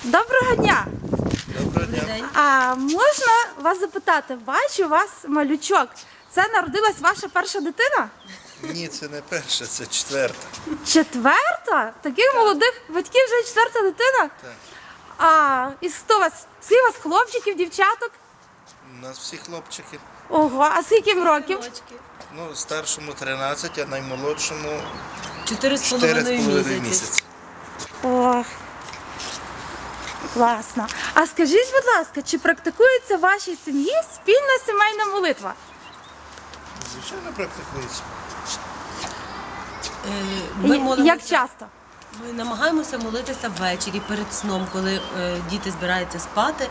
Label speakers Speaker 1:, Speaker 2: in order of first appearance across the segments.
Speaker 1: Доброго дня!
Speaker 2: Доброго дня.
Speaker 1: А можна вас запитати? Бачу, у вас малючок. Це народилась ваша перша дитина?
Speaker 2: Ні, це не перша, це четверта.
Speaker 1: Четверта? Таких молодих батьків вже четверта дитина?
Speaker 2: Так.
Speaker 1: А і хто у вас? Скільки у вас хлопчиків, дівчаток?
Speaker 2: У нас всі хлопчики.
Speaker 1: Ого, а скільки їм років?
Speaker 2: Ну, старшому 13, а наймолодшому
Speaker 3: 4,5
Speaker 2: 4,5
Speaker 3: місяці.
Speaker 2: місяці.
Speaker 1: Ох, класно. А скажіть, будь ласка, чи практикується в вашій сім'ї спільна сімейна молитва?
Speaker 2: Звичайно, практикується.
Speaker 3: Ми молимося-
Speaker 1: Як часто?
Speaker 3: Ми намагаємося молитися ввечері перед сном, коли діти збираються спати.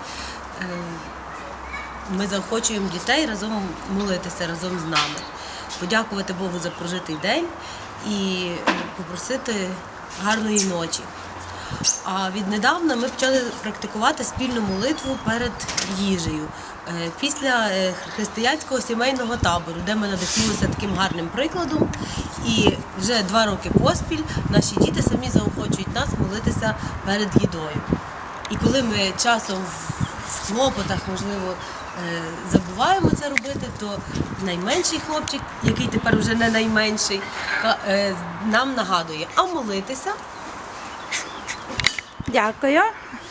Speaker 3: Ми заохочуємо дітей разом молитися разом з нами, подякувати Богу за прожитий день і попросити гарної ночі. А віднедавна ми почали практикувати спільну молитву перед їжею. Після християнського сімейного табору, де ми надихнулися таким гарним прикладом, і вже 2 роки поспіль наші діти самі заохочують нас молитися перед їдою. І коли ми часом в клопотах, можливо, забуваємо це робити, то найменший хлопчик, який тепер вже не найменший, нам нагадує, а молитися.
Speaker 1: Дякую.